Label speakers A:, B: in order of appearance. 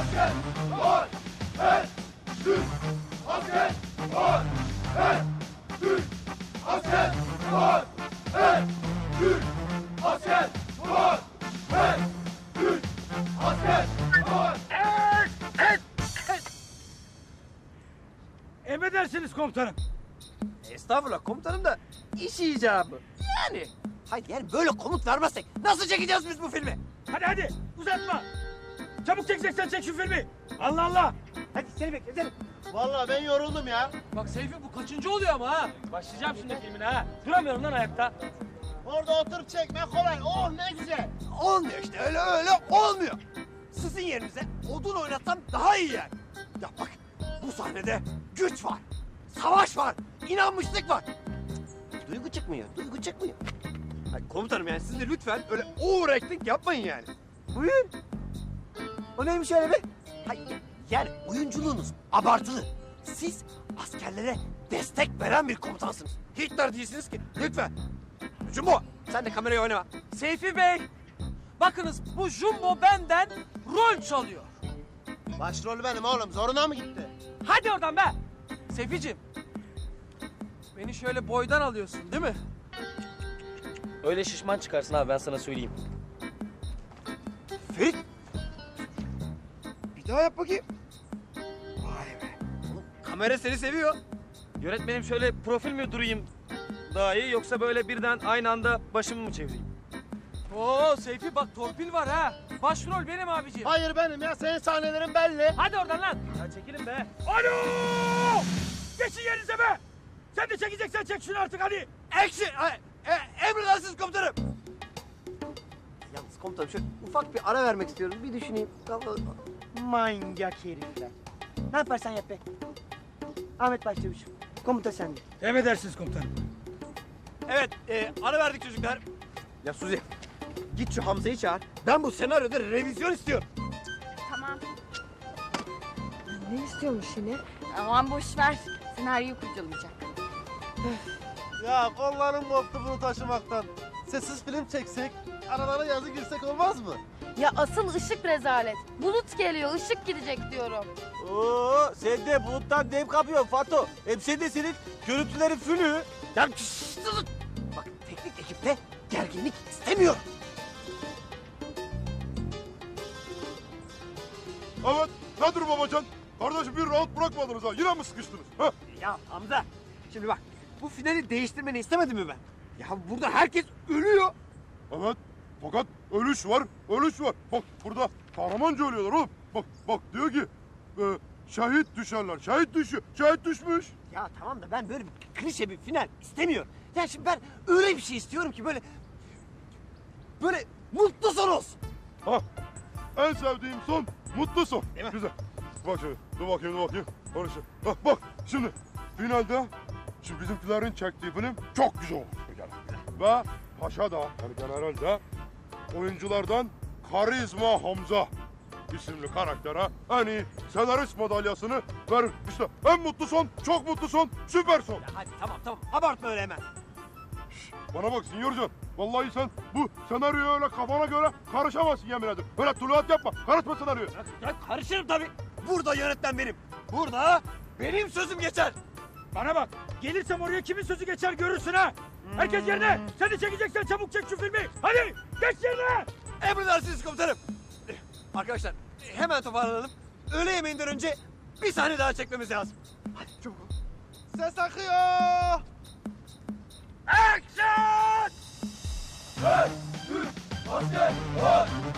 A: asker var. Her Türk asker var. Her Türk asker var. Her Türk asker var. Her Türk asker var.
B: Emredersiniz komutanım.
C: Estağfurullah komutanım da iş icabı. Yani. Hayır yani böyle komut vermezsek nasıl çekeceğiz biz bu filmi?
B: Hadi uzatma. Çabuk çekeceksen çek şu filmi. Allah Allah.
C: Hadi seni bekle.
D: Vallahi ben yoruldum ya.
E: Bak Seyfi bu kaçıncı oluyor ama ha? Başlayacağım şimdi filmine ha. Duramıyorum lan ayakta.
D: Orada oturup çekme kolay. Oh ne güzel.
C: Olmuyor işte öyle olmuyor. Sizin yerinize odun oynatsam daha iyi yani. Ya bak bu sahnede güç var. Savaş var. İnanmışlık var. Duygu çıkmıyor. Hayır, komutanım yani siz de lütfen öyle overacting yapmayın yani. Buyurun. O neymiş öyle be? Hayır yani oyunculuğunuz abartılı. Siz askerlere destek veren bir komutansınız. Hitler değilsiniz ki. Lütfen. Jumbo sen de kamerayı oynama.
E: Seyfi Bey, bakınız bu Jumbo benden rol çalıyor.
D: Başrol benim oğlum. Zoruna mı gitti?
E: Hadi oradan be. Seyficim, beni şöyle boydan alıyorsun değil mi?
F: Öyle şişman çıkarsın abi ben sana söyleyeyim.
C: Ferit. Bir daha yap bakayım. Vay be. Oğlum, kamera seni seviyor.
F: Yönetmenim şöyle profil mi durayım daha iyi yoksa böyle birden aynı anda başımı mı çevireyim?
E: Oo Seyfi bak torpil var ha. Başrol benim abiciğim.
D: Hayır benim ya. Senin sahnelerin belli.
E: Hadi oradan lan.
F: Ya çekilin be.
B: Alo! Geçin yerinize be. Sen de çekeceksen çek şunu artık hadi.
C: Action! Emredersiniz komutanım. Yalnız komutanım şöyle ufak bir ara vermek istiyorum. Bir düşüneyim.
G: Manyak herifler. Ne yaparsan yap be. Ahmet Başçavuş'um. Komuta sende.
B: Emredersiniz komutanım.
C: Evet, ara verdik çocuklar. Ya Suzi, git şu Hamza'yı çağır. Ben bu senaryoda revizyon istiyorum.
H: Tamam. Ne istiyormuş yine? Aman boş ver. Senaryoyu kurcalayacak.
D: Ya kollarım koptu bunu taşımaktan. Sessiz film çeksek, aralara yazı girsek olmaz mı?
H: Ya asıl ışık rezalet. Bulut geliyor, ışık gidecek diyorum.
D: Oo, sen de buluttan dem kapıyorsun Fato. Hem sen de senin görüntülerin fülü.
C: Ya şşş, dur. Bak teknik ekipte gerginlik istemiyorum.
A: Evet. Nedir babacan? Kardeş bir rahat bırakmadınız ha. Yine mi sıkıştınız? Ha?
C: Ya Hamza, şimdi bak bu finali değiştirmeni istemedim mi ben? Ya burada herkes ölüyor.
A: Evet. Fakat ölüş var. Bak burada kahramanca ölüyorlar oğlum. Bak diyor ki şehit düşerler. Şehit düşmüş.
C: Ya tamam da ben böyle bir klişe bir final istemiyorum. Ya şimdi ben öyle bir şey istiyorum ki böyle mutlu son olsun.
A: Ha. En sevdiğim son mutlu son.
C: Değil mi?
A: Güzel. Bak şöyle. Dur bakayım. Barış'ı. Bak şimdi finalde şu bizimkilerin çektiği film çok güzel olmuş bir kere. Ve Paşa da yani general de oyunculardan Karizma Hamza isimli karaktere en iyi senarist madalyasını verir. İşte en mutlu son, çok mutlu son, süper son.
C: Ya hadi tamam abartma öyle hemen.
A: Bana bak Sinyorcan. Vallahi sen bu senaryoya öyle kafana göre karışamazsın yemin ederim. Böyle tuluat yapma. Karışma senaryoya.
C: Ya karışırım tabii. Burada yönetmen benim. Burada benim sözüm geçer.
B: Bana bak. Gelirsem oraya kimin sözü geçer görürsün ha. Herkes yerine. Sen de çekeceksen çabuk çek şu filmi. Hadi geç yerine.
C: Emredersiniz komutanım. Arkadaşlar hemen toparlanalım. Öğle yemeğinden önce bir sahne daha çekmemiz lazım. Hadi çabuk ol.
D: Ses akıyor.
B: Action!
A: Her Türk asker var.